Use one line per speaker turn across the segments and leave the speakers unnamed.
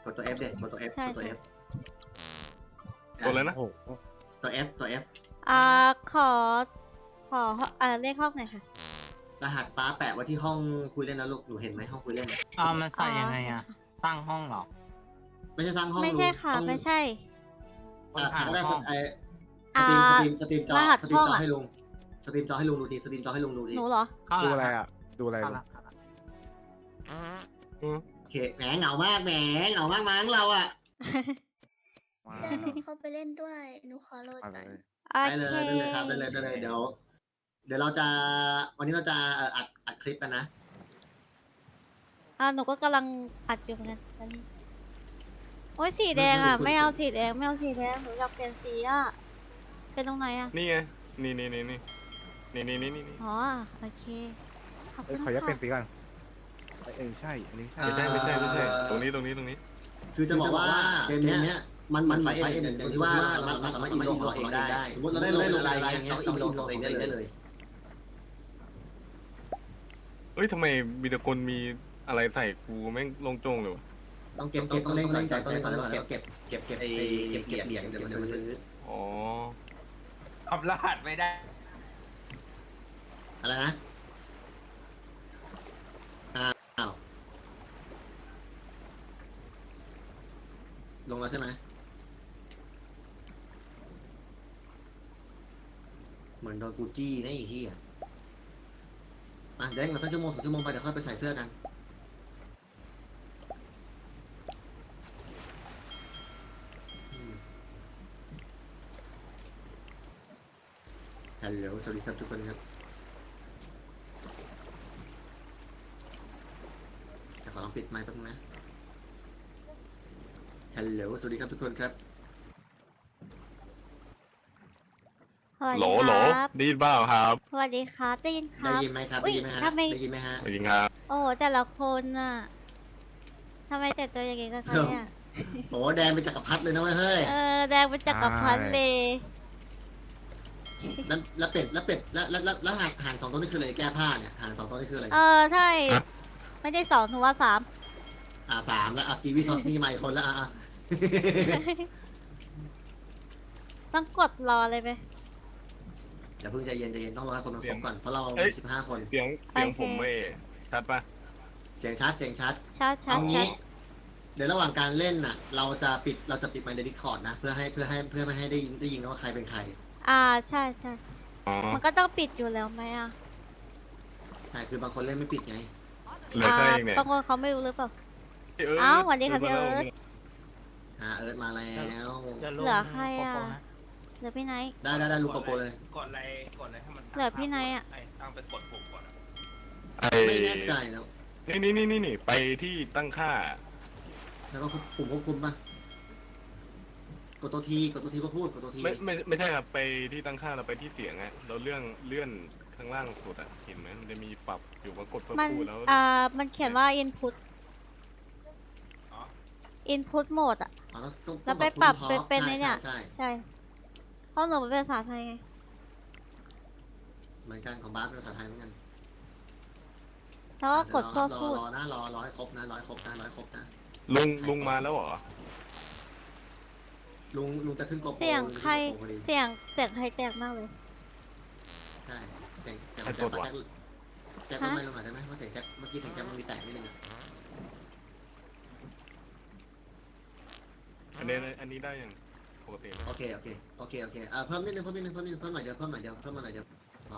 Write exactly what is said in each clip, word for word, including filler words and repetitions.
กดตัว F เด็กกดตัว F
ใช่
กดตัว
ใช่
F
ตัวอะไรนะ
โอ้โห
ตัว F ตัว F
อ่าขอขออ่าเลขห้องหน่อยค่ะ
รหัสป้าแปะไว้ที่ห้องคุยเล่นนะลูกหนูเห็นไหมห้องคุยเล่น
อ่ามันใส่ยังไงอะสร้างห้องเหรอ
ไม่ใช่สร้างห้อง
ไม่ใช่ค่ะ
ต้อง
ไม่ใช่
ต้อ
อ่าง
หา
ก็ได้
ห้
ส
อง
ไอสตรีมสตรีมสตรีมจอ
รหัส
สตรีม
ห้อง
จอ
อะ
ให้ลุงสตรีมจอให้ลุงดูทีสตรีมจอให้ลุงดูที
หนูเหรอ
เข้า
ดู
แล้ว
อะไรอ่ะ ดูอะไร
เข้า
ลู
แล้
ก
วเข้าแล้ว
อืม
โอเคแหมเหงามากแหมเหงามากมั้งเราอะ
มา
เดี๋ยวหนูเข้าไปเล่นด้วย หนูขอโหลด
มา
ก่อน
เลย
โอ
ได้เลย
เค
ได้เลยครับได้เลยได้เลยเดี๋ยว เดี๋ยวเราจะวันนี้เราจะเอ่ออัดอัดคลิปกันนะ
อ่าหนูก็กำลังอัดอยู่เหมือนกันตอนนี้โอ้ยสีแดงอ่ะ ไม่เอาสีแดงไม่เอาสีแดงหนูอยากเปลี่ยนสีอ่ะเป็นตรงไหนอ่ะ
นี่ไง นี่นี่นี่นี่นี่นี่นี่นี่นี่
อ๋อโอเคขอบ
เอ้
คุ
ย
ณ
ขออนุญาตเปลี่ย
ค่ะ
นสีก่อนเอ้ยเอ้ยใช่ อันนี้ใช่
อ่า
ไม่ใช่ไม่ใช่ไม่ใช่ ตรงนี้ตรงนี้ตรงนี้
คือจะบอกว่าเกมเนี้ยมันมันไฟเอ็นตรงที่ว่าเราเราสามารถอินโหลดของเราเองได้สมมติเราได้โหลดอะไรอย่างเงี้ยเราอินโหลดของเราเองได้เลย
เอ้ยทำไมมีแต่คนมีอะไรใส่กูแม่งลงโจงเลยวะ
ต้องเก็บต้องต้องเล่นเล่นใจต้องเล่นต้องเก็บเก็บเก็บเก็บไอ้เก็บเก็บเหรียญเดี๋ยวมันจะมาซื้อ
อ๋อ
ทำรหัสไม่ได้
อะไรนะอ้าวลงแล้วใช่ไหมเหมือนโดนกูจี้นะไอ้เหี้ยอ่ะเดี๋ยวมาสักชั่วโมงสองชั่วโมงไปเดี๋ยวค่อยไปใส่เสื้อกันฮัลโหลสวัสดีครับทุกคนครับจะขอลองปิดไมค์แป๊บนึงนะฮัลโหลสวัสดีครับทุกคนครับ
สวัส
โหล
ดี
โหล
ครับ
ได้ยินเปล่าครับ
สวัสดีครับได้ยินค
ได้
รับ
ยินไหมครับ
อุ๊
ได้
ย
ยินไหมฮะ
ทำไม
ได้ยินไหมฮะ
สวัสดีครับ
โอ้โหแต่ละคนน่ะทำไมแต่ตัวอย่างงี้กันคะเนี่ย
โอ้แดงเป็นจักรพรรดิเลยนะเว้ยเฮ้ย
เออแดงเป็นจักรพรรดิเลย
แล้วแล้วเป็ดแล้วเป็ดแล้วแล้วแล้วแล้วหางหางสองตัวนี่คืออะไรแก้ผ้าเนี่ยหางสองตัวนี่คืออะไร
เออใช่ไม่ได้สองหนูว่าสาม
อ่าสามแล้วอ่ะกีวีทอสมีใหม่คนแล้วอ่ะอ่ะ
ต้องกดรอเลยไหม
อย่าเพิ่งใจเย็นใจเย็นต้องรอให้คนมันครบก่อนเพราะเรา
เอ้ย
มีสิบห้าคน
เสียงเสียงผมไม่ชัดปะ
เสียงชัดเสียงชัด
ชัดชัด
เอา
ชั
งี้
ด
เดี๋ยวระหว่างการเล่นน่ะ เราจะปิดเราจะปิดไมค์ในดิสคอร์ดนะเพื่อให้เพื่อให้เพื่อไม่ให้ได้ยินได้ยินว่าใครเป็นใคร
อ่าใช่ใช่
อ๋อ
มันก็ต้องปิดอยู่แล้วไหมอ่ะ
ใช่คือบางคนเล่นไม่ปิดไง
เหลือแค่เองเนี่ย
บางคนเขาไม่รู้หรือเปล่า
เอ้ย
อ้าวสวัสดีค่ะพี่
มา
เอิ
แล้ว
ร์ธ
อ่าเอิร์ธมาแล้ว
จะลง
เหลือใครอะ
โปโปน
เหลือพี่ไนท์
ได้ได้ได้ลูกโกโปรเลย
กดอะไรกดอะไรให้มัน
เหลือพี่ไนท์อะ
ไตั้งไปกดปุ่มก่อนอะ
ไอ้
ไม่แน่ใจแล้ว
นี่นี่นี่นี่นี่ไปที่ตั้งค่า
แล้วก็ปุ่มควบคุมป่ะกดตัวทีกดตัวทีก็พูดกดตัวที
ไม่ไม่ไม่ใช่ครับไปที่ตั้งค่าเราไปที่เสียงอะเราเลื่อนเลื่อนข้างล่างสุดอะเห็นไหมมันจะมีปรับอยู่ว่ากดเพื่อ
มัน
พูดแล้ว
อ่ามันเขียนว่า input
อ๋อ
input mode อะ
อ๋อต้องต้อง
แล้วไป
ต้อง
ปรับ
พูด
เป็นเป็น
พ
ใน
ราะ
เนี่ย
ใช่ใช่
ใช่เพราะหนูเป็นภาษาไทยไง
เหมือนกันของบาสเป็นภาษาไทยเหมือนกัน
แล้วก็กด
ร
เพื่
อ
อ
รอ
พูด
รอนะรอรอให้ครบนะรอให้ครบนะรอให้ครบนะ
ลุงลุงมาแล้วเหรอ
ลุงลุงจะขึ้นโกโปร
เสียงใคร
ลุงจะขึ้นโกโปพอดี
เสียงเสียงใครแตกมากเลย
ใช่เสียงเสียง
ใคร
แจ็
ตร
คว
จวะ
แจ็คแจ็คไม่ลงหน่อยได้ไหมเพราะเสียงแจ็คเมื่อกี้เสียงแจ็คมันมีแตกนิดนึงอะ
อันนี้อันนี้ได้ยังปกติไหม
โอเคโอเคโอเคโอเคอ่าเพิ่มนิดนึงเพิ่มนิดนึงเพิ่มนิดนึงเพิ่มหน่อยเดียวเพิ่มหน่อยเดียวเพิ่มมาหน่อยเดียวอ๋อ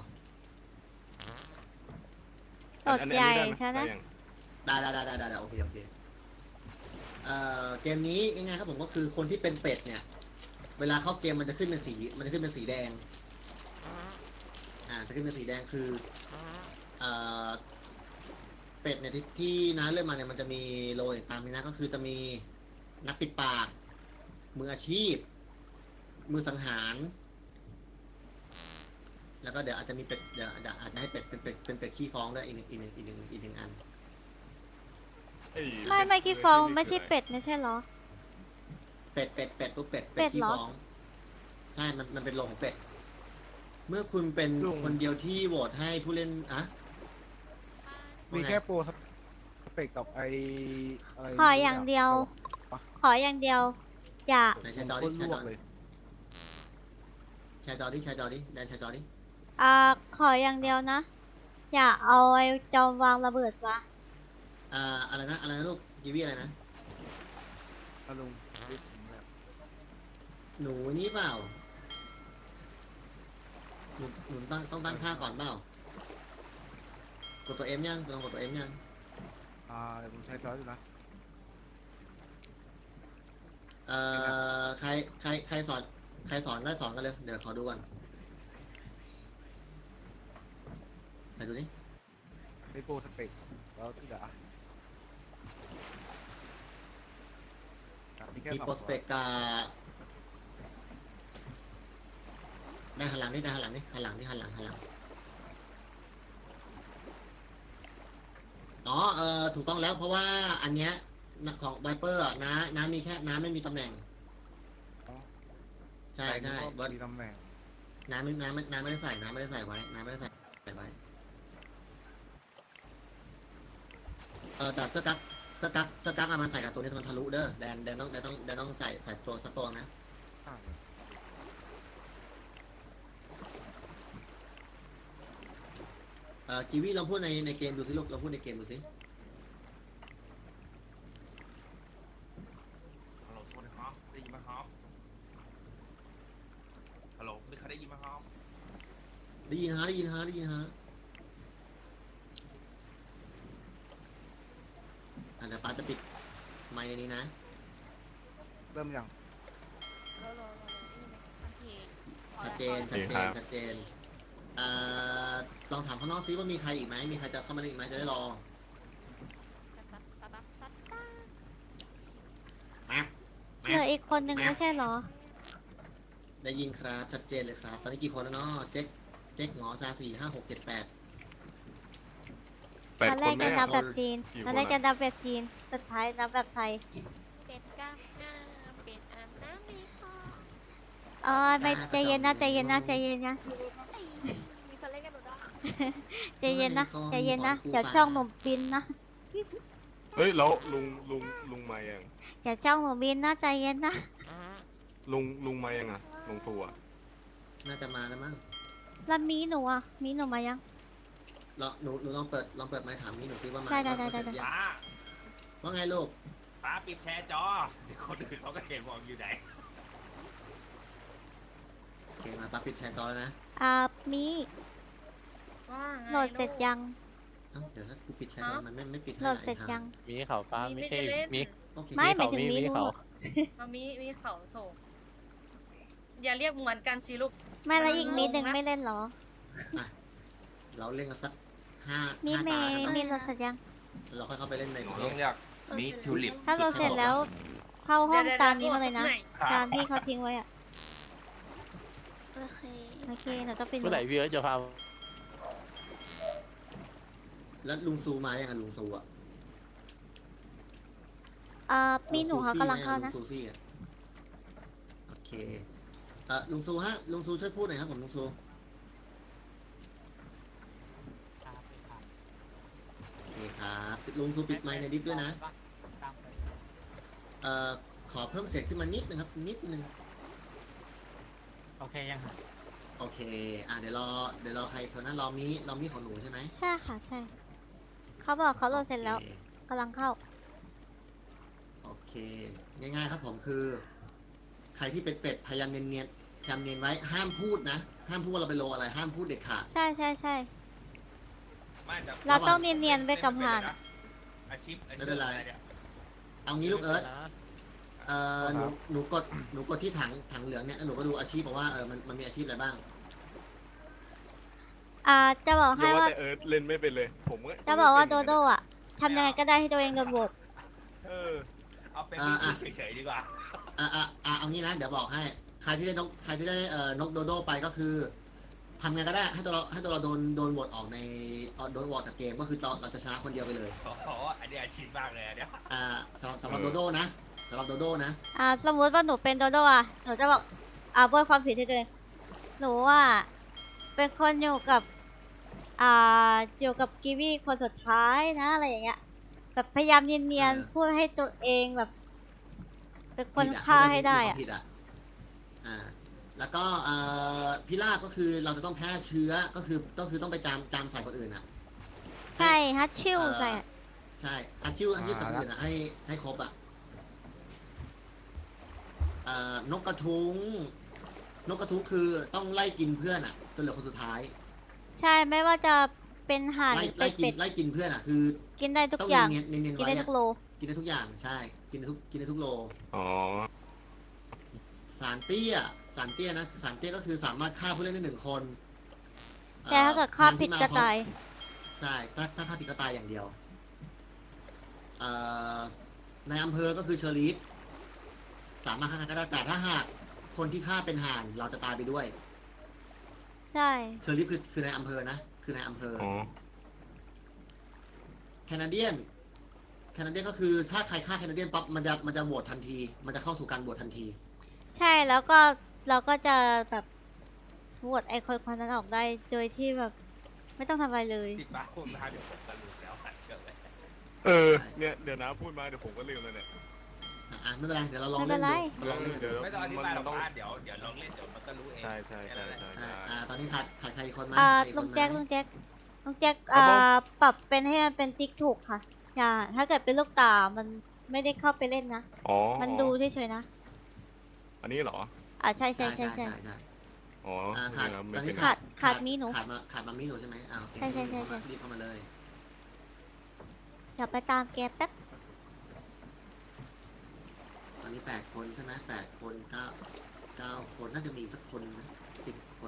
ตดใหญ่
อันนี้
ใช่ไหม
ด้ยัง
ได้ได้ได้ได้ได้ได้โอเคโอเคเอ่อเกมนี้ง่ายๆครับผมก็คือคนที่เป็นเป็ดเนี่ย เวลาเข้าเกมมันจะขึ้นเป็นสีมันจะขึ้นเป็นสีแดงอ่าจะขึ้นเป็นสีแดงคือเอ่อเป็ดเนี่ยที่ที่น้าเลื่อนมาเนี่ยมันจะมีโรยตามนี้นะก็คือจะมีนักปิดปาก มืออาชีพ มือสังหาร แล้วก็เดี๋ยวอาจจะมีเป็ดเดี๋ยวอาจจะอาจจะให้เป็ดเป็นเป็ดเป็นเป็ดขี้ฟ้องด้วยอีกหนึ่งอีกหนึ่งอีกหนึ่งอีกหนึ่งอัน
เอ้ย
ไม่ไม่กี่ฟองไม่ใช่เป็ดไม่ใช่เหรอ
เป็ดเป็ดเป็ดตุ๊กเป็ด
เป็ด
ขี้
เหรอ
ฟ้องใช่มันมันเป็นโรงของเป็ด เมื่อคุณเป็น
ลุง
คนเดียวที่โหวตให้ผู้เล่นอะ
มีแค่โปรสเปกกับไออะไร
ขออย่างเดียว
ปะ
ออย่างเดียว อย่า
ไหนแชร์จอ
ค
ดิ
น
แช
ล
ร์จ
ว
อก
เลย
แชร์จอดิแชร์จอดิแดนแชร์จอดิ
อ่า ขออย่างเดียวนะ อย่าเอาไอ้จอมวางระเบิดวะ
อ่าอะไรนะอะไรนะลูกกีวีอะไรนะ
ถ้าลุงรีบผมแบบ
หนูนี่เปล่าหนูหนูต้องต้องตั้งค่าก่อนเปล่า กดตัวเอ็มยังลองกดตัวเอ็มยัง
อ่าเดี๋ยวผมใช้จอยดูนะ
เอ่อใครใครใครสอนใครสอนได้สอนกันเลย เดี๋ยวขอดูก่อนไหนดูนี่
ไม่โก้สเปกแล้วที่เหลืออ่ะมีแค่
มี
สอง
โปรสเปกกาได้หันหลังนี่ได้หันหลังนี่หันหลังนี่หันหลังหันหลังอ๋อเออถูกต้องแล้วเพราะว่าอันเนี้ยของไวเปอร์น้าน้ามีแค่น้าไม่มีตำแหน่ง
อ๋อ
ใช่ใช่
แต่
ว่า
มีตำแหน่ง
น้าไม่น้าไม่น้าไม่ได้ใส่น้าไม่ได้ใส่ไว้น้าไม่ได้ใส่ใส่ไว้เออแต่สกักสกักสกักเอามาใส่กับตัวนี้มันทะลุเด้อแดนแดนต้องแดนต้องแดนต้องใส่ใส่ตัวสกตัวนะ
อ่า
เอ่อกีวีลองพูดในในเกมดูสิลูกลองพูดในเกมดูสิ
ฮัลโหลสวัสดีครับได้ยินไหมครับฮัลโหลมีใครได้ยินไหมครับ
ได้ยินฮะได้ยินฮะได้ยินฮะอ่ะเดี๋ยวป้าจะปิดไมค์ในนี้นะ
เริ่มยัง
ชัดเจนชัดเจนชัดเจนเอ่อลองถามข้างนอกซิว่ามีใครอีกไหมมีใครจะเข้ามาได้อีกไหมจะได้รอแม็ก
เหลืออีกคนนึงไม่ใช่เหรอ
ได้ยินครับชัดเจนเลยครับ ตอนนี้กี่คนแล้วเนาะเจ๊กเจ๊กหงอซาสี่ห้าหกเจ็ดแปด
แปด
ตอน
ค
แร
น
ก
แม่
จะนับแบบจีน
กี่
ตอน
คน
แรกจะ
อะ
นับแบบจีน สุดท้ายนับแบบไทย
เป็ดกล้ามหน้าเป็ดอาบน้ำในคอ
เออไม่ใจเย็นนะใจเย็นนะใจเย็นนะ
มีคนเล่นกันหนูด้วย
ใจเย็นนะใจเย็นนะเดี๋ยวช่องหนูบินนะ
เฮ้ยแล้วลุงลุงลุงมายัง
เดี๋ยวช่องหนูบินนะใจเย็นนะ
ลุงลุงมายังอ่ะลุงทัวร์
น่าจะมาแล้วมั้ง
แล้วมีหนูอ่ะมีหนูมายัง
ลองหนูหนูลองเปิดลองเปิดไมค์ถามนี่หนูซิว่ามา
ได้ได้ได้
ว่า
ได้
เสร็จยัง
ป้า
ว่าไงลูก
ป้าปิดแชร์จอเดี๋ยวคนอื่นเขาก็เห็นบอกอยู่ไหน
โอเคมาป้าปิดแชร์จอแล้วนะ
อ่ามี
ว่าไง
โหลดเสร็จยัง
เอ้าเดี๋ยวถ้ากูปิดแชร์จอมันไม่ไม่ปิดให้
โหลดเสร็จยัง
มีเขาป้ามีเอ้ยมี
โอเค
ไม่หมายถึงมี
มี
หนู
เขา
อะ
มามีมีเขาโฉกอย่าเรียกเหมือนกันสิลูก
ไม่แล้วอีกมีหนึ่ง
งงนะ
ไม่เล่นเหรอ
เราเล่นกันสักห้า
มี
ห้า
เม
ตา
ย์
กัน
มี
เน
โหล
อะ
ดเสร็จยัง
เราค่อยเข้าไปเล่นใน
หนู
เพ
ต้อง
จ
เรียกมีทิวลิป
ถ้าโหลดเสร็จแล้วเข้าห้อง
ดี๋ยว
ตาม
ๆ
นี้มาเลยนะ
ไห
ตามที่เขาทิ้งไว้อะ
โอเค
โอเคหนูต้องปิด
เมื่อไหร่พี่เอิร์ธจะพา
แล้วลุงซูมายังไงลุงซูอ่ะ
อ่ามีหนูเขากำลังเข้านะ
ลุงซูซี่อะโอเคเอ่อลุงซูฮะลุงซูช่วยพูดหน่อยครับผมลุงซูโอเคครับลุงซูปิดไมค์ในดิสด้วยนะเอ่อขอเพิ่มเสียงขึ้นมานิดนึงครับนิดนึง
โอเคยังครับ
โอเคอ่ะเดี๋ยวรอเดี๋ยวรอใครคนนั้นรอมีรอมีของหนูใช่ไหม
ใช่ค่ะใช่เขาบอกเขาโหลดเสร็จแล้ว
โอค
กำลังเข้า
โอเค ง่ายๆครับผมคือ ใครที่เป็นเป็ดพยายามเนียนๆพยายามเนียนไว้ห้ามพูดนะ ห้ามพูดว่าเราไปโลอะไรห้ามพูดเด็ดขาด
ใช่ใช่ใช่
ไม่แต่
เราต้องเนียนๆไว้กับผ่าน
อาชีพอาชีพ
ไม่เป็นไร
อะเนี่ย
เอางี้ลูกเอิร์ธเอ่อหนูหนูกดหนูกดที่ถังถังเหลืองเนี่ยแล้วหนูก็ดูอาชีพบอกว่าเออมันมันมีอาชีพอะไรบ้าง
อ่าจะบอก
เรี
ให้
ยกว่า
ว่า
แต่เอิร์ธเล่นไม่เป็นเลย ผมก็
จะบอกว่าโด
ไม่เป็น
โดอ่ะทำยังไงก็ได้ให้ตัวเองโดนโหวต
เออ
เอาเป็น
อ่าอ่ะ
เฉยๆดีกว่า
อ่ะอ่ะอ่ะเอางี้นะเดี๋ยวบอกให้ใครที่ได้นกใครที่ได้เอ่อนกโดโดไปก็คือทำไงก็ได้ให้ตัวเราให้ตัวเราโดนโดนโหวตออกในเอ่อโดนโหวตจากเกมก็คือเราเราจะชนะคนเดียวไปเลย
โอ้โหอันนี้อาชีพมากเลยอันเนี้ย
อ่าสำหรับสำหรับ
เอ
โด
อ
โดนะสำหรับโดโดนะ
อ่าสมมุติว่าหนูเป็นโดโดอ่ะหนูจะบอกอ่าโบยความผิดให้ตัวเองหนูว่าเป็นคนอยู่กับอ่าอยู่กับกีวีคนสุดท้ายนะอะไรอย่างเงี้ยแบบพยายามเนียน
เออ
ๆพูดให้ตัวเองแบบเป็นคน
ผิอะ
ฆ่าให้ได้
มีค
อะ
วามผิดอ่ะอ่า แล้วก็เอ่อพิราบก็คือเราจะต้องแพ้เชื้อก็คือก็คือต้องไปจามจามใส่คนอื่นอ่ะ
ใช่ฮัตชิว
เอ่อ
ใส่อะ
ใช่อาชิวอาชิวสัตว์อื่นอ่ะให้ให้ครบอ่ะเอ่อนกกระทุงนกกระทุงคือต้องไล่กินเพื่อนอ่ะจนเหลือคนสุดท้าย
ใช่ไม่ว่าจะเป็นห่านห
ไล่
รือเป็
ไล่
ด
กิน
เป็ด
ไล่กินเพื่อนอ่ะคือ
กินได้ทุก
ต้อง
อย่าง
เน้นๆเน้นๆ
กิน
ไว้
ได้ทุ
อะ
กโล
กินได้ทุกอย่างใช่ กินได้ทุกกินได้ทุกโล
อ๋อ
สารเตี้ยสารเตี้ยนะสารเตี้ยก็คือสามารถฆ่าผู้เล่นได้หนึ่งคน
แต่ถ้าเกิดฆ่า
อ่อ
ผิด
ทง
ก็
ที่มพร้อม
ตาย
ใช่ถ้าถ้าฆ่าผิดก็ตายอย่างเดียวเอ่อในอำเภอก็คือเชอรีฟสามารถฆ่าใครก็ได้แต่ถ้าหากคนที่ฆ่าเป็นห่านเราจะตายไปด้วย
ใช่
เชอรีฟคือคือในอำเภอนะคือในอำเภอ
อ๋อ
แคนาเดียนแคนาเดียนก็คือถ้าใครฆ่าแคนาเดียนปั๊บมันจะมันจะโหวตทันที มันจะเข้าสู่การโหวตทันที
ใช่แล้วก็เราก็จะแบบโหวตไอคนคนนั้นออกได้โดยที่แบบไม่ต้องทำอะไรเลย
ที่ป้าพูดมาเดี๋ยวผมก็รู้แล้วอ่ะเชื่อไหม
เออ เนี่ย เดี๋ยวนะพูดมาเดี๋ยวผมก็ลืมเลยเนี่ย
อ่ะอ่ะไม่เป็นไรเดี๋ยวเราลอง
ไม่เป็
เล่น
นไร
ดูเราลองเล่นกันดู
เดี๋ยว
ไม่ต้องอธิบายหรอก
มันต้อง
ป้าเดี๋ยวเดี๋ยวลองเล่นเดี๋ยวมันก็รู้เอง
ใช่ใช่ใช่ใช่
อ่า
ใช่
อ่าตอนนี้ขาดขาดใครอีกคนไหม
อ่า
ใครอีก
ลุ
ค
ง
นไหม
แจ็คลุงแจ็คลุงแจ็ค
ครับ
อ่า
ผม
ปรับเป็นให้มันเป็นติ๊กถูกค่ะ อย่า ถ้าเกิดเป็นลูกตา มันไม่ได้เข้าไปเล่นนะ
อ๋อ
มันดูเฉยๆนะ
อันนี้เหรอ
อ่าใช่ใช่ใช่ใช่
ใช่
อ๋อ
อ่าขาด
เดี๋ยวนะ
ต
ไม่
อน
เป็
นี้
นไร
ขาดขาดมีหนู
ขาดมาขาดมามีหนูใช่ไหมอ้าวโอเค
ใช่ใช่ใช่ใช่
รีบเข้ามาเลย
เดี๋ยวไปตามแกแป๊บ
ตอนนี้แปดคนใช่ไหมแปดคนเก้าเก้าคนน่าจะมีสักคนนะสิบคน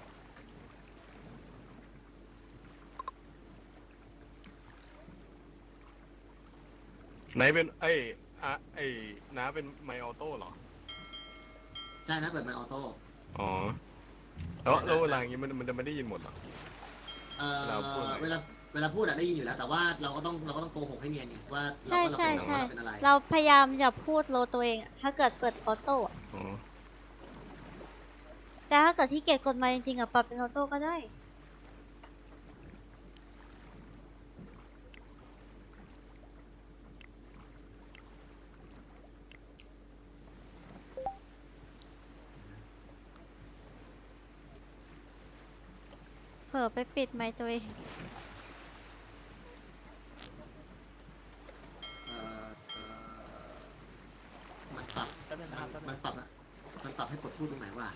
ไหนเป็นไอ้อะไอ้น้าเป็นไมออโต้เหรอ
ใช่นะเปิดไมค์ออโต้
อ๋อ แล้วแล้วเวลาอย่างงี้มันมันจะไม่ได้ยินหมดเหรอ
เอ่อ
เราพูดอะไร
เวลาเวลาพูดอะได้ยินอยู่แล้ว แต่ว่าเราก็ต้องเราก็ต้องโกหกให้เนียนไงว่า
ใช่
เรา
ใช่
ว่า
ใช่
เราเป็นอะไร
เราพยายามอย่าพูดโลตัวเองอะถ้าเกิดเปิดออโต้อะ
อ๋อ
แต่ถ้าเกิดที่เกียจกดมาจริงๆอะปรับเป็นออโต้ก็ได้ เผลอไปปิดไมค์ตัวเอง
เอ่อเอ่อมันปรับ
แป๊บนึงนะครับแป๊บนึง
มันปรับอะมันปรับให้กดพูดตรงไหนวะ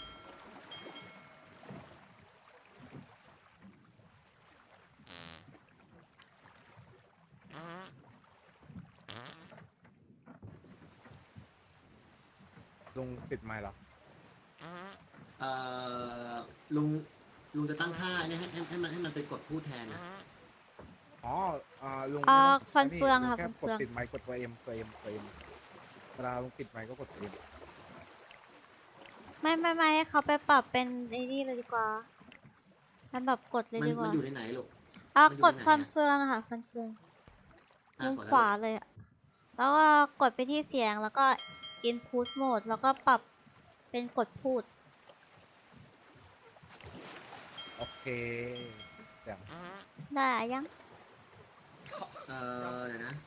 ลุงปิดไมค์เหรอ
เอ่อลุงลุงจะตั้งค่าเนี่ยให้ให้ให้มันให้มันเป็นกดพูดแทนนะ
อ๋อ อ่า ลุง
อ่า
ไม่ต้อง
ฟันเฟือง
ลุ
ค่ะ
แค่
ฟัน
ก
เฟื
ด
อง
ปิดไมค์กดตัวเอ็มตัวเอ็มตัวเอ็มเวลาลุงปิดไมค์ก็กดตัวเอ็ม
ไม่ไม่ไม่ให้เขาไปปรับเป็นไอ้นี่เลยดีกว่ามันแบบกดเลย
มัน
ดีก
มัน
ว่า
อยู่ในไหนลูก
อ่ะ
มันอยู่
กด
ในไหน
ฟัน
อะ
เฟืองอะค่ะฟันเฟือง
อ่ะ
มุม
กด
ข
แล้ว
วาเลยอะแล้วก็กดไปที่เสียงแล้วก็ input mode แล้วก็ปรับเป็นกดพูด
โอเคเสียง
ได้ยัง
เอ่อเดี๋ยวนะ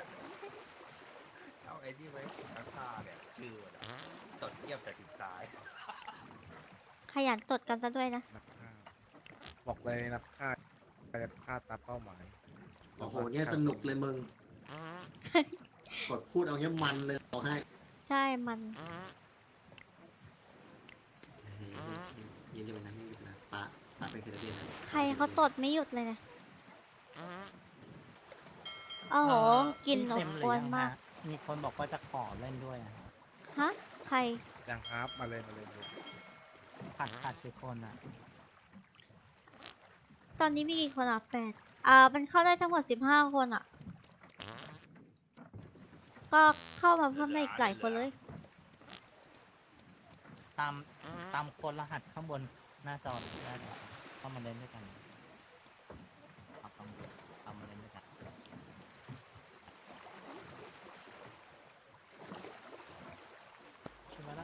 เอาไอ้ที่ไว้ข้างข้าเนี่ยชื่อมันอะตดเงียบแต่ติดตาย
ขยันตดกันซะด้วยนะ
นักฆ่าบอกเลยนักฆ่าใครจะฆ่าตามเป้าหมาย
โอ้โหเนี่ยสนุกเลยมึง กดพูดเอาเนี้ยมันเลยเอาให้
ใช่มัน
เฮ้ยยินดีไปนะยินดีไปนะปะปะเป็นแคนาเดียนนะ
ใครเขาตดไม่หยุดเลยนะโอ้โหกลิ่น
นี่
อบ
เต็มเลย
อว
ยั
น
ง
มา
ฮะ
ก
มีคนบอกว่าจะขอเล่นด้วยอะฮะ
ฮะ ใคร
ยังครับมาเลยมาเลยมาเลย
ขาดขาดกี่คนอ่ะ
ตอนนี้มีกี่คนอ่ะแปดอ่า มันเข้าได้ทั้งหมดสิบห้าคนอ่ะ ก็เข้ามาเพิ่มได้อีกหลายคนเลย
ตามตามคนรหัสข้างบนหน้าจอได้เลยเข้ามาเล่นด้วยกันเอาตามตามมาเล่นด้วยกันใช่ไหมล่ะ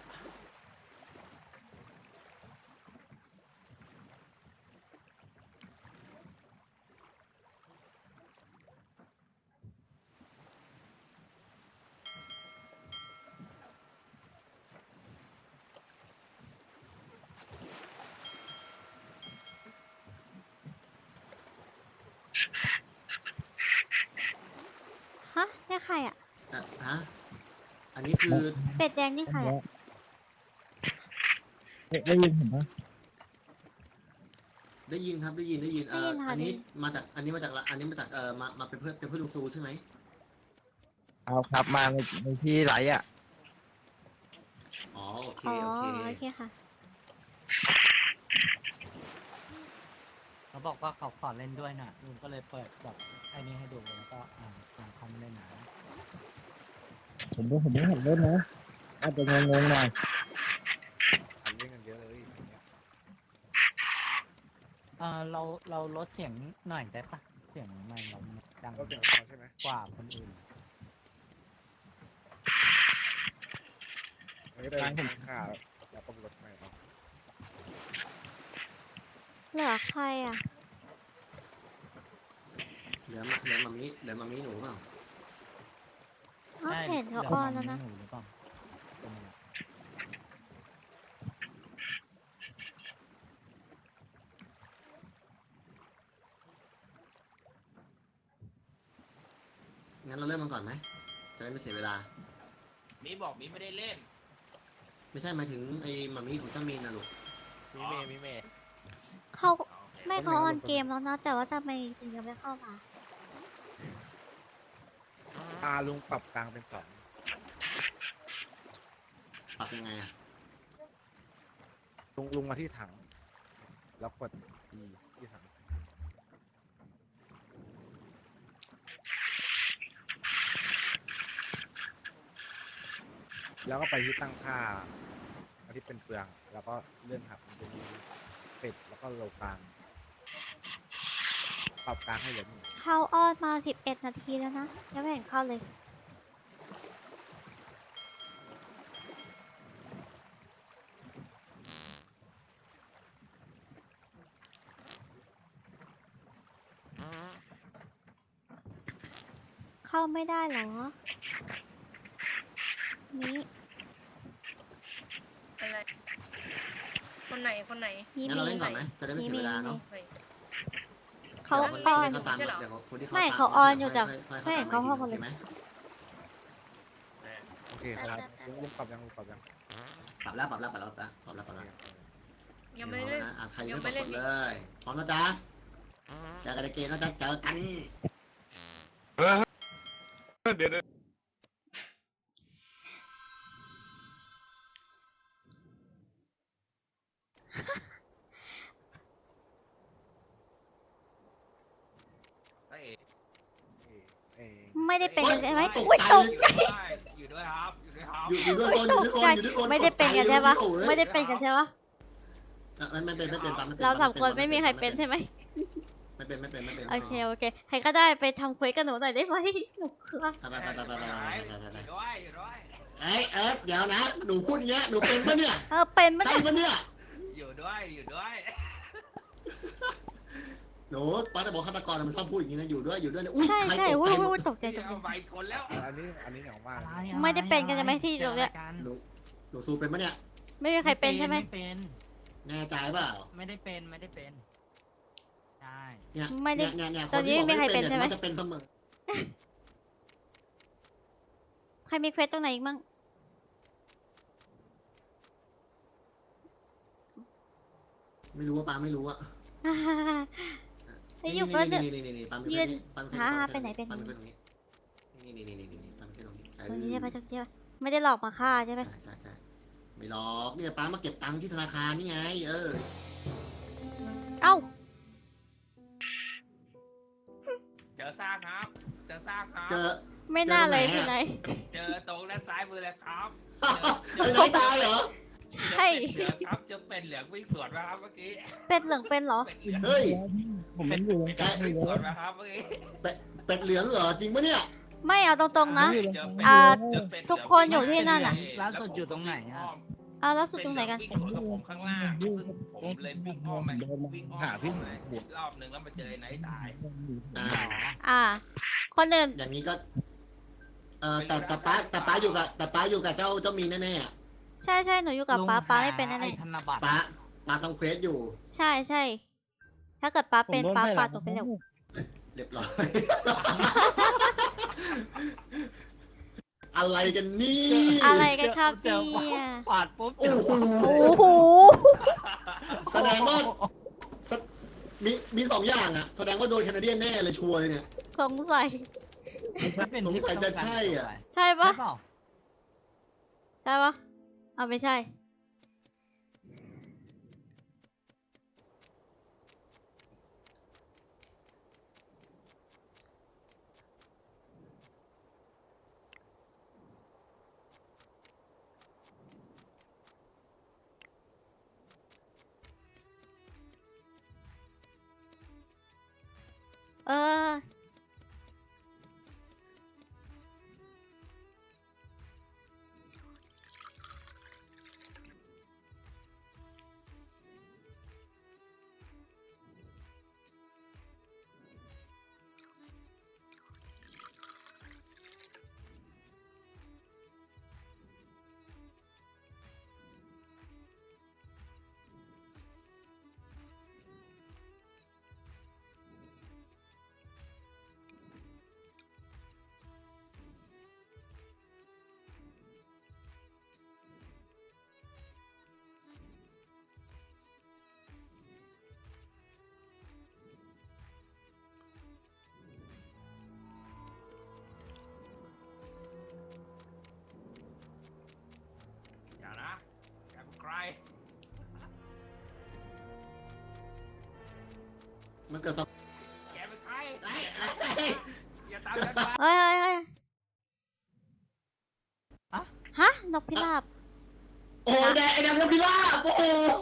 ฮะอันนี้คือ
เป็ดแดงนี่ใครอะ
ได้ยินเห็นปะ
ได้ยินครับได้ยินได้ยินเอ่อ
ได้ยินค่ะ
อันนี้
ได้ยิน
มาจากอันนี้มาจากละอันนี้มาจากเอ่อมามาเป็นเพื่อนเป็นเพื่อนลุงซูใช่ไหม
เอาครับมาในในที่ไหลอ่ะ
อ๋อโอเค
อ๋อ
โอเค
โอเคค่ะ
เขาบอกว่าเขาขอเล่นด้วยน่ะลุงก็เลยเปิดแบบไอ้นี่ให้ดูแล้วก็อ่านอ่านคอมเล่นหนา
ผมก็ผมไม่เห็นเล่นนะอาจจะงงๆหน่อย
ทำเล่นกันเยอะเลยอย่างเงี้ย
เออเราเราลดเสียงหน่อยได้ปะเสียงไม่เราดัง
ก็เสียงเขาใช่ไหม
กว่าคนอื่น
อันนี้ไปทางข่าวแล้วก็รถใหม่เอา
เหลือใครอ่ะ
เหลือมาเหลือมามิเหลือมามิหนูเปล่า
อ๋อ
ใช่
เห็นเขา
ดี๋ยว
อ้อนแล้วนะ
หนูหรือเปล่าเป็นไง
งั้นเราเริ่มมันก่อนไหมจะได้ไม่เสียเวลา
มีบอกมีไม่ได้เล่น
ไม่ใช่หมายถึงไอ้มามิของเจ้ามีนนะลูก
มีเมย์มีเมย์
เขา
โอเค
ไม่เขาออนเกมแล้วนะ แต่ว่าทำไมถึงยังไม่เข้ามา
ตาลุงปรับกลางเป็นสอง
ปรับยังไงอ่ะ
ลุงลุงมาที่ถัง แล้วกด E ที่ถังแล้วก็ไปที่ตั้งค่าอันที่เป็นเปลือง แล้วก็เลื่อนหักมันจะมีเป็ดแล้วก็โลกลางปรับกลางให้เหลือหนึ่ง
เข้าออนมาสิบเอ็ดนาทีแล้วนะ ยังไม่เห็นเข้าเลย เข้าไม่ได้เหรอ นี่
อะไร คนไหนคนไหน
มี
งั้น
มี
เราเล่นก่อนไหมจะได้ไม่เสียเวลาเนาะ
เฮ้ย
เขา
ดี๋ยวคน
ออน
ที่เขาตาม
ไม่ใช่เหรอ
เดี๋ยวคนที่เขา
ไม่
ต
เขาออนอยู่แต่
ค่ๆ
ไม่เห็น
ต
เขาเข้ามาเลย
โอคไหม
โอเคครับลุงลุงปรับยังลุงปรับยัง
ปรับแล้วปรับแล้วปรับแล้วปรับแล้วปรับแล้วปรับแล้ว
ยังไม่ได้เล่น
นะอ่ะใคร
ยั
ยัง
ง
ไม่
ไม่
ก
เล่น
ดเลยพร้อมนะจ๊ะเจอกันในเกมนะจ๊ะเจอกัน
เออเดี๋ยวเดี๋ยว
เอ้ย
เอ่เอ่
ไม่ได้เป็นกันใช่ไหม
ตก
อุ้ย
ใจ
ตก
อยู่ด้วยครับ อยู่ด้วยครับ
อยู่อยู่ด้วย
อุ้
ค
ย
น
ต
อยู่
ก
ด้วยคน
ใจ
อยู่ด้วยคน
ไม่ได้เป็นกันใช่ปะ
โอ้ย
ไม่ได้เป็นกันใช่ปะ
อ่ะไม่ไม่เป็นไม่เป็นปั๊มไม่เป็น
เราสาม
ปั๊
คนไม่มีใครเป็นใช่ไหม
ไม่เป็นไม่เป็นไม่เป็น
โอเคโอเค ใครก็ได้ไปทำเควสกับหนูหน่อยได้ไหมหนูคือ
ไปไปไปไปไปไปไปไปไป
อยู่ด้วยอยู่ด้วย
เอ้ยเอิร์ธเดี๋ยวนะหนูพูดอย่างเงี้ยหนูเป็นปะเนี่ย
เออเป็นมั้ย
ใช่ปะเนี่ย
อยู่ด้วยอยู่ด้วย
หนูป้าจะบอกฆาตกรมันชอบพูดอย่างนี้นะอยู่ด้วยอยู่ด้วยเนี่ยอุ้ย
ใช่
ใคร
ใช่
ตก
อุ้ย
ใจหม
อุ้
ด
ยตกใจตกใจ
เอาไปคนแล้ว
อันนี้อันนี้เหนียวมาก
อะไร
นะ
อะ
ไม่ได้เป็นกันใช่ไหมที่
เจอ
ตรงเนี้ย
อะไรกัน
หนูหนูซูเป็นปะเนี่ย
ไม่มีใครเป็นใช่ไหม
ไม่เป็น
แน่ใจเปล่า
ไม่ได้เป็นไม่ได้เป็นใช่
เนี่ย
ไม่ได้
เนี่ยเนี่ย
ตอนนี้
คที่
ไม่มีใคร
บอก
เป็นใช่ไหม
ยจะเป็นเสมอ
ใครมีเควสตรงไหนอีกมั่ง
ไม่รู้ว่าป้าไม่รู้อะ
ไอ้อยู่เพื่อน
นี่นี่นี่นี่ป้าไม่
ยื
เพื่
น
ป้าไม่
หา
เพื่
หาไปไหนไปไหน
ป้าไม่เพื่อนตรงนี้นี่นี่นี่นี่นี่ป้าไม่เพื่อนตรงนี้เออ
ตรงนี้ใช่ปะตรงนี้ใช่ปะไม่ได้หลอกมาฆ่าใช่ไหม
ใช่ใช่ใช่ไม่หรอกเนี่ยป้ามาเก็บตังค์ที่ธนาคารนี่ไง เออ
เอ้า
เจอซากครับ เจอซากครับ
เจอ
ไม่น่าเลย
เจอ
ที่
ตรง
ไห
ไห
น
น
เจอตรงด้านซ้ายมือเลยครับ
ไอ้ไหนตายเหรอ
ใช่
เจอเป็ดเหลืองครับเจอเป็ดเหลืองวิ่งสวนมาครับเมื่อกี้
เป็ดเหลืองเป็นเหรอ
เป็ดเหลือง
เฮ้ย
ผมมันอยู่ตรง
เป็ด
กลาง
วิ่ง
เล
สวน
ย
มาครับเมื่อกี้
เป็ดเหลืองเหรอจริงปะเนี่ย
ไม่เอาตรงๆนะ
เจเป็ด
อ่า
เจอเป็ดเหลืง
ทุกคนอยู่ที่นั่นน่ะ
ล่าสุดอยู่ตรงไหนอะ
เอาแล้วสุดตรงไหนกัน
วิ่งสวนกับผมข้างล่างซึ่งผมเลยวิ่งอ้อมไปวิ่งอ้อม
หาพี่
เลยอีกรอบหนึ่งแล้วมาเจอไอ้ไหนตาย
อ่า
อ่า คนอื่น
อย่างนี้ก็ เออแต่แต่ป้าแต่ป้าอยู่กับแต่ป้าอยู่กับเจ้าเจ้ามีนแน่ๆอะ
ใช่ใช่หนูอยู่กับ
ลุง
ป้าป้า
ห
ไม่เป็นแน่
ไอ้ธนบัตร
ป้าป้าต้องเควสอยู่
ๆใช่ใช่ถ้าเกิดป้าเป็นป้าปาดหนูไปเร็ว
เรียบร้อย ออะไรกันนี่
อะไรกันครับ
เจอ
เนี่ย
ปาดปุ๊บเจ
โอ้
อ
โห
โอ้โห
แสดงว่าสมีมีสองอย่างอะแสดงว่าโดนแคนาเดียนแน่เลยชัวร์เลยเนี่ย
สงสัย
มันเป็นที่
สงสัยจะใช่อะ
ใช่
ใช่
ปะ
เปล่า
ใช่ปะเอาไม่ใช่ เออ
อย่านะแกเป็นใคร
มันเกิดสภ
แกเป็นใคร
ไอ้ไอ้
อย่าตามฉันมา
เฮ้ยเฮ้ยเฮ้ยฮะ นกพิราบ
โอ้แดงไอ้แดงเป็นพิราบโอ้โห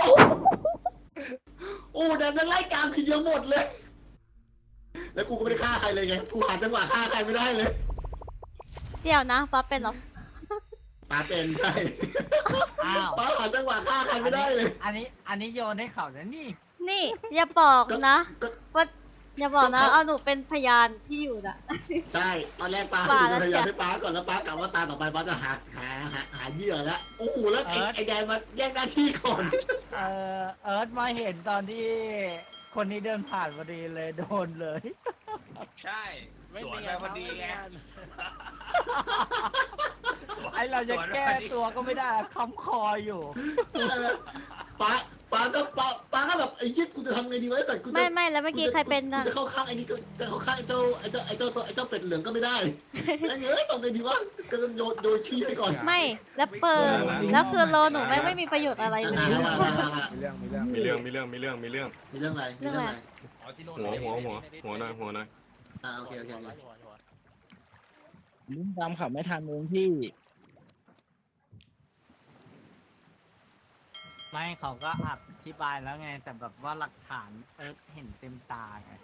โอ้แดงมันไล่กลางทีเดียวหมดเลย แล้วกูก็ไม่ได้ฆ่าใครเลยไงกูหาจังหวะฆ่าใครไม่ได้เลย
เดี๋ยวนะฟ้าเป็นเหรอ
ปาเป็นใช่
อ้าว
ปาหาจังหวะฆ่าใครไม่ได้เลย
อันนี้อันนี้โยนให้เขาแล้วนี่
นี่ อย่าบอกนะ
ก็
ว่าอย่าบอกนะ
ก็เขา
เอาหนูเป็นพยานที่อยู่น่ะ
ใช่ตอนแรกป้า
ป่า
ให้
แล้ว
ดูพยายาม
จ้ะ
ให้ป้าก่อนแล้วป้ากะว่าตาต่อไปป้าจะหาหาหาหาเหยื่อแล้วโอ้โหแล้วไอ้
เอิร์ธ
ไอ้แดงมาแย่งหน้าที่ก่อน
เออเอิร์ธมาเห็นตอนที่คนนี้เดินผ่านพอดีเลยโดนเลย
ใช่สวนไปพอดีไง
ไอเราจะแก้ตัวก็ไม่ได้คำคออยู่
เออป้าป้าก็ป้าป้าก็แบบไอ้ยี่กูจะทำไงดีวะไอ้สัตว์กูจะ
ไม่ไม่แล้วเมื่อกี้ใครเป็น
กู
น่ะ
จะเข้าข้างไอ้นี่ก็จะเข้าข้างไอ้เจ้าไอ้เจ้าไอ้เจ้าตัวไอ้เจ้าเป็ดเหลืองก็ไม่ได้ไอ้เงี้ยทำไงดีวะก็จะโยนโยนขี้ให้ก่อน
ไม่ แล้วเปิด แล้วคือโลหนูไม่ไม่มีประโยชน์อะไรเลย
อ่าอ่าอ่าอ่าอ่า
มีเรื่องมีเรื่อง
มีเรื่องมีเรื่องมีเรื่องมีเรื่อง
มีเรื่องอะไรมีเรื่องอะไร
อ๋อที่โน่น
หัวหัวหัวหัวหน่อยหัวหน่อย
อ่าโอเคโอเคโอเค
ลิ้นตามขับไม่ทันเองพี่
ไม่เขาก็อธิบายแล้วไง แต่แบบว่าหลักฐานเอิร์ธเห็นเต็มตาไง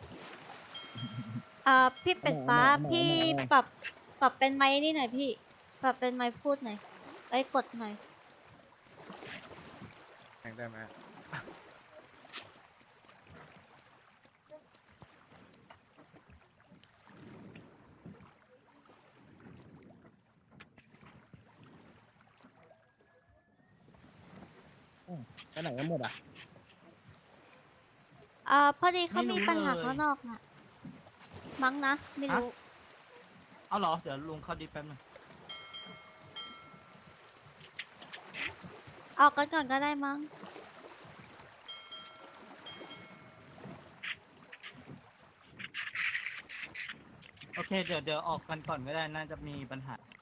อ่าพี่เป็ดฟ้า
เอามา
พี่
เอามา
ปรับ ปรับเป็นไม้นี่หน่อยพี่ ปรับเป็นไม้พูดหน่อยเอ้ยกดหน่อย
แข่งได้ไหม
ไปไหนกันหมดอ่ะ
อ่าพอดีเขา
ไม่รู้
มีปัญหา
เลย
ข้างนอกน่ะ มั้งนะ ไม่รู้
เอาเหรอ เดี๋ยวลุงเข้าดีแป๊บนึง
ออกกันก่อนก็ได้มั้ง
โอเค เดี๋ยวเดี๋ยวออกกันก่อนก็ได้ น่าจะมีปัญหา